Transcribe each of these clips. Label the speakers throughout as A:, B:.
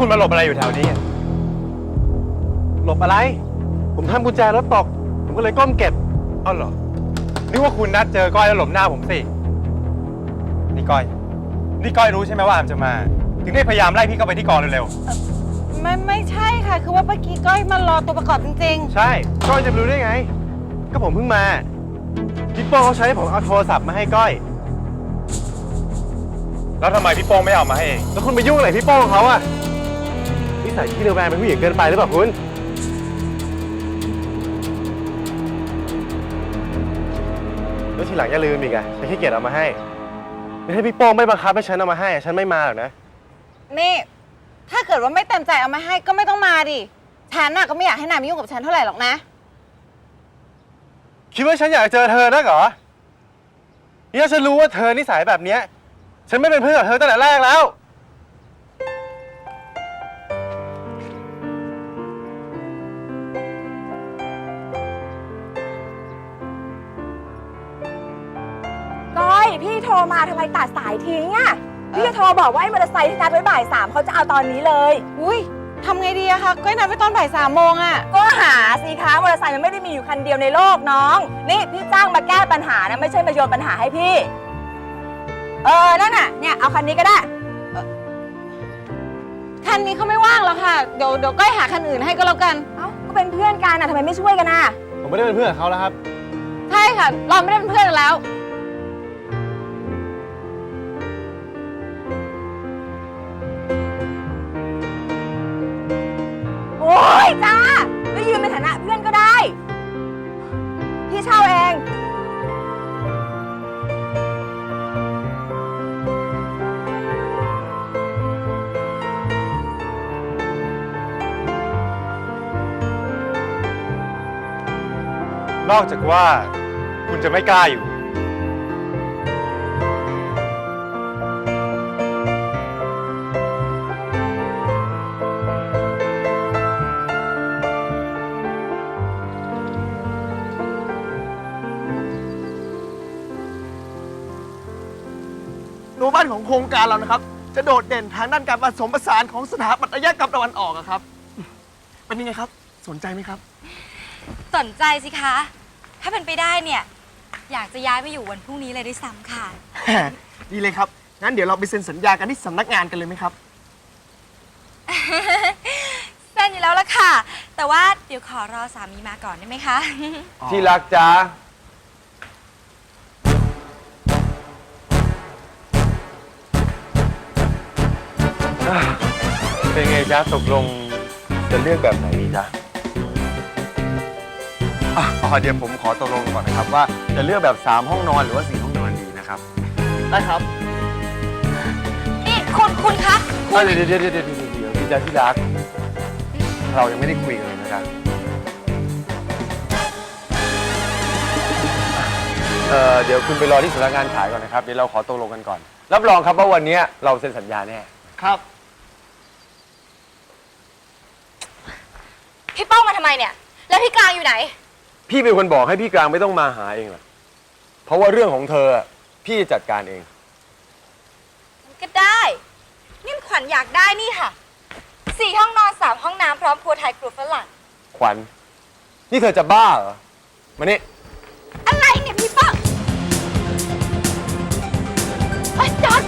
A: คุณมาหลบอะไรอยู่แถวนี้หลบอะไรผมทำกุญแจรถตกผมก็เลยก้มเก็บอ้าวเหรอนึกว่าคุณนัดเจอก้อยแล้วหลบหน้าผมสินี่ก้อยรู้ใช่ไหมว่าอามจะมาถึงได้พยายามไล่พี่เข้าไปที่กองเร็ว
B: ไม่ใช่ค่ะคือว่าเมื่อกี้ก้อยมารอตัวประกอบจริง
A: ๆใช่ก้อยจะรู้ได้ไงก็ผมเพิ่งมาพี่โป้เขาใช้ให้ผมเอาโทรศัพท์มาให้ก้อยแล้วทำไมพี่โป้งไม่เอามาให้เองแล้วคุณไปยุ่งอะไรพี่โป้งเขาอะนิสัยที่เร็วแรงเป็นผู้หญิงเกินไปหรือเปล่าคุณแล้วทีหลังอย่าลืมอีกอะฉันขี้เกียจเอามาให้ไม่ให้พี่โป้งไม่บังคับให้ฉันเอามาให้ฉันไม่มาหรอกนะ
B: นี่ถ้าเกิดว่าไม่เต็มใจเอามาให้ก็ไม่ต้องมาดิฉันน่ะก็ไม่อยากให้นายมายุ่งกับฉันเท่าไหร่หรอกนะ
A: คิดว่าฉันอยากเจอเธอนักเหรอนี่ถ้าฉันรู้ว่าเธอนิสัยแบบเนี้ยฉันไม่เป็นเพื่อนกับเธอตั้งแต่แรกแล้ว
C: ก้อยพี่โทรมาทำไมตัดสายทิ้งอ่ะพี่จะโทรบอกว่าไอ้มอเตอร์ไซค์ที่นัดไว้บ่าย 3เขาจะเอาตอนนี้เลย
B: อุ้ยทำไงดีอะคะก้อยนัดไว้ตอนบ่าย 3 โมงอะ
C: ก็หาสิคะมอเตอร์ไซค์มันไม่ได้มีอยู่คันเดียวในโลกน้องนี่พี่จ้างมาแก้ปัญหานะไม่ใช่มาโยนปัญหาให้พี่นั่นน่ะเนี่ยเอาคันนี้ก็ได้
B: คันนี้เขาไม่ว่างแล้วค่ะเดี๋ยวก้อยหาคันอื่นให้ก็แล้วกัน
C: เอ้าก็เป็นเพื่อนกันนะทำไมไม่ช่วยกันน่ะ
A: ผมไม่ได้เป็นเพื่อนกับเขาแล้วครับ
B: ใช่ค่ะเราไม่ได้เป็นเพื่อนกันแล้ว
C: โอ้ยจ้าไม่ยืมในฐานะเพื่อนก็ได้พี่เช่าเอง
A: นอกจากว่าคุณจะไม่กล้าอยู่
D: โนบ้านของโครงการเรานะครับจะโดดเด่นทางด้านการผสมผสานของสถาปัตยกรรมตะวันออกครับเป็นยังไงครับสนใจไหมครับ
E: สนใจสิคะถ้าเป็นไปได้เนี่ยอยากจะย้ายไปอยู่วันพรุ่งนี้เลยด้วยซ้ำค่ะ
D: ดีเลยครับงั้นเดี๋ยวเราไปเซ็นสัญญากันที่สำนักงานกันเลยไหมครับ
E: เซ็นอยู่แล้วละค่ะแต่ว่าเดี๋ยวขอรอสามีมาก่อนได้ไหมคะ
A: ที่รักจ้าเป็นไงจ๊ะตกลงจะเลือกแบบไหนดีจ๊ะเดี๋ยวผมขอตกลงก่อนนะครับว่าจะเลือกแบบ3ห้องนอนหรือว่า4ห้องนอนดีนะครับ
D: ได้ครับ
E: นี่คุณคะ
A: เดี๋ยวพี่จ๊ะที่รักเรายังไม่ได้คุยกันเลยนะครับเดี๋ยวคุณไปรอที่สำนักงานขายก่อนนะครับเดี๋ยวเราขอตกลงกันก่อนรับรองครับว่าวันนี้เราเซ็นสัญญาแน่
D: ครับ
E: พี่ป้องมาทำไมเนี่ยแล้วพี่กลางอยู่ไหน
A: พี่เป็นคนบอกให้พี่กลางไม่ต้องมาหาเองหรอกเพราะว่าเรื่องของเธอพี่จัดการเอง
E: ก็ได้นี่ขวัญอยากได้นี่ค่ะ4ห้องนอน3ห้องน้ำพร้อมครัวไทยครัวฝรั่ง
A: ขวัญนี่เธอจะบ้าเหรอมานี่
E: อะไรเนี่ยพี่ป้องจอด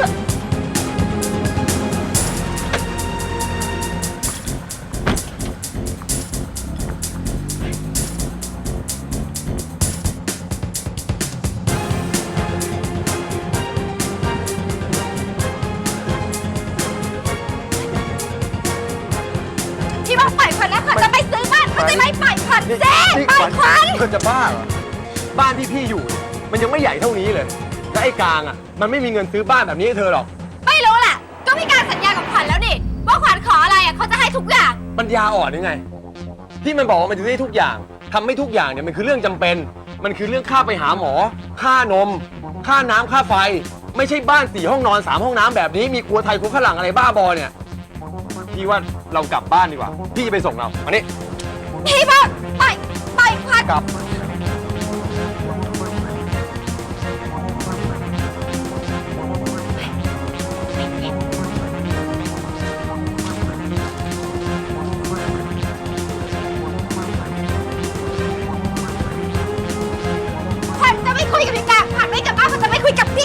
E: พี่ป้องปล่อยขวัญนะขวัญจะไปซื้อบ้านเขาจะไม่ปล่อยขวัญเจ๊ปล่อยขวัญ
A: เธอจะบ้าเหรอบ้านที่พี่อยู่มันยังไม่ใหญ่เท่านี้เลยและไอ้กลางมันไม่มีเงินซื้อบ้านแบบนี้ให้เธอหรอก
E: ไม่รู้แหละก็มีการสัญญากับขวัญแล้วนี่ว่าขวัญขออะไรเขาจะให้ทุกอย่าง
A: ปัญญาอ่อนยังไงที่มันบอกว่ามันจะได้ทุกอย่างทำไม่ทุกอย่างเนี่ยมันคือเรื่องจำเป็นมันคือเรื่องค่าไปหาหมอค่านมค่าน้ำค่าไฟไม่ใช่บ้าน4ห้องนอน3ห้องน้ำแบบนี้มีครัวไทยครัวฝรั่งอะไรบ้าบอเนี่ยพี่ว่าเรากลับบ้านดีกว่าพี่จะไปส่งเรามานี่
E: พี่ป้องปล่อยขวัญ
A: กลับ
E: พ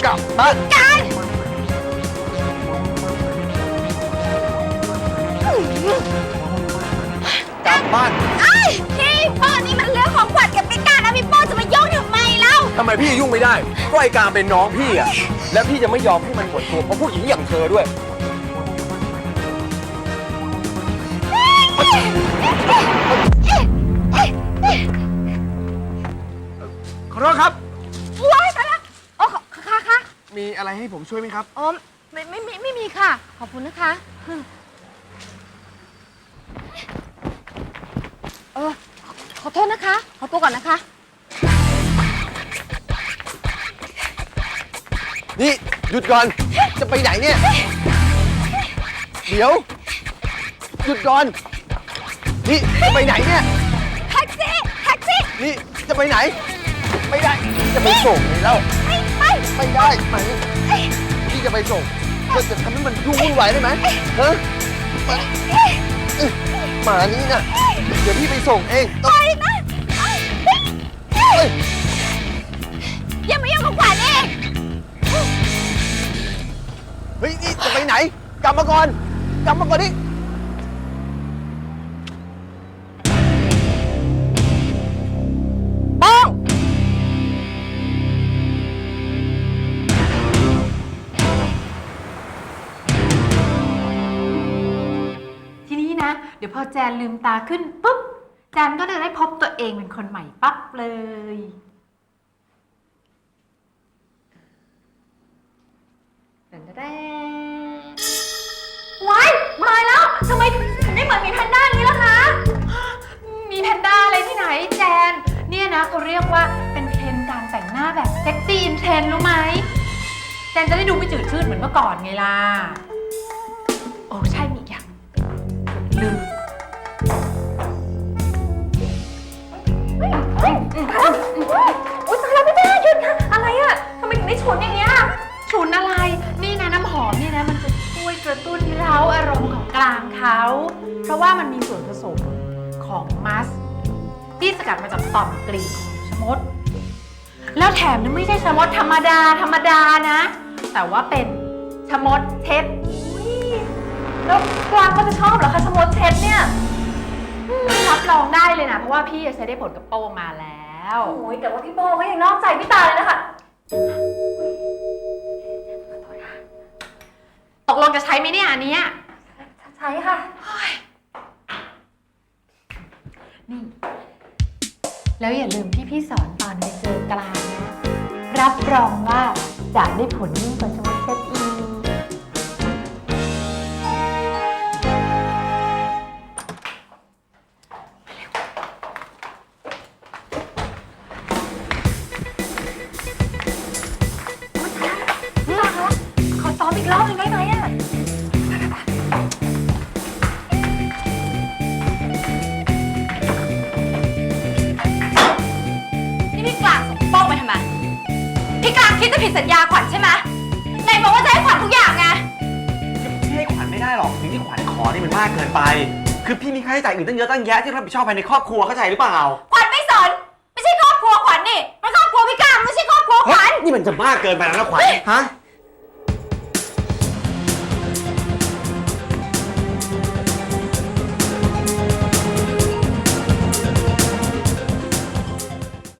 A: กลับบ้าน กลับบ้าน
E: พี่โป้นี่มันเรื่องของขวัญกับพี่การนะพี่โป้จะมายุ่งทำไมเล่า
A: ทำไมพี่ยุ่งไม่ได้ ก็ไอ้การเป็นน้องพี่อะและพี่จะไม่ยอมให้มันหมดตัวเพราะผู้หญิงอย่างเธอด้วย
D: ขอโทษครับ
B: ว้ายตายละอ๋อค่ะ
D: มีอะไรให้ผมช่วยไหมครับ
B: อ๋อไม่มีค่ะ ขอบคุณนะคะขอโทษนะคะ ขอตัวก่อนนะคะ
A: นี่หยุดก่อน จะไปไหนเนี่ย เดี๋ยว หยุดก่อน นี่จะไปไหนเนี่ย
E: แท็กซี่
A: นี่จะไปไหน ไม่ได้พี่จะไปส่งไงเล่าไม่ได้ไหมพี่จะไปส่งเธอจะทำให้มันยุ่งวุ่นวายได้ไหมฮะหมานี่นะเดี๋ยวพี่ไปส่งเอง
E: ไปนะอย่ามายุ่งกับขวัญเอง
A: เฮ้ยนี่จะไปไหน กลับมาก่อนนี่
C: ป้อง
F: ทีนี้นะ เดี๋ยวพอแจนลืมตาขึ้นปุ๊บ แจนก็จะได้พบตัวเองเป็นคนใหม่ปั๊บเลยแต่แด้ว้ายมาแล้วทำไมถึงได้เหมือนมีแพนด้าอย่างนี้ล่ะคะ มีแพนด้าอะไรที่ไหนแจน เนี่ยนะเขาเรียกว่าเป็นเทรนด์การแต่งหน้าแบบเซ็กซี่อินเทรนด์รู้ไหม แจนจะได้ดูไม่จืดชืดเหมือนเมื่อก่อนไงล่ะ โอ้ใช่มีอีกอย่างลืมอุ๊ยตายแล้วพี่แม่หยุดค่ะอะไรอะทำไมถึงได้ฉุนอย่างเงี้ยฉุนอะไร นี่นะน้ำหอมนี่นะมันจะช่วยกระตุ้นเร้าอารมณ์ของกลางเขาเพราะว่ามันมีส่วนผสมของมัสที่สกัดมาจากต่อมกลีบของชะมด แล้วแถมนี่ไม่ใช่ชะมดธรรมดานะ แต่ว่าเป็นชะมดเช็ดแล้วกวางก็จะชอบเหรอคะชะมดเช็ดเนี่ยรับรองได้เลยนะเพราะว่าพี่ใช้ได้ผลกับโป้มาแล้วโอ้ยแต่ว่าพี่โป้ก็ยังนอกใจพี่ตาเลยนะคะตกลงจะใช้ไหมเนี่ยอันเนี้ยใช้ค่ะนี่แล้วอย่าลืมที่พี่สอนตอนไปเจอกลางนะรับรองว่าจะได้ผลยิ่งกว่าชะมดเช็ดอีกขอซ้อมอีกรอบหนึ่งได้ไหมอ่ะ
E: นี่พี่กลางส่งโป้งไปทำไมพี่กลางคิดจะผิดสัญญาขวัญใช่ไหมไหนบอกว่าจะให้ขวัญทุกอย่างไง
D: พี่ให้ขวัญไม่ได้หรอกสิ่งที่ขวัญขอนี่มันมากเกินไป คือพี่มีค่าใช้จ่ายอื่นตั้งเยอะตั้งแยะที่รับผิดชอบภายในครอบครัวเข้าใจหรือเปล่า
E: ขวัญไม่สนไม่ใช่ครอบครัวขวัญนี่มันครอบครัวพี่กลางไม่ใช่ครอบครัวขวัญ
D: นี่มันจะมากเกินไปแล้วนะขวัญ ฮะ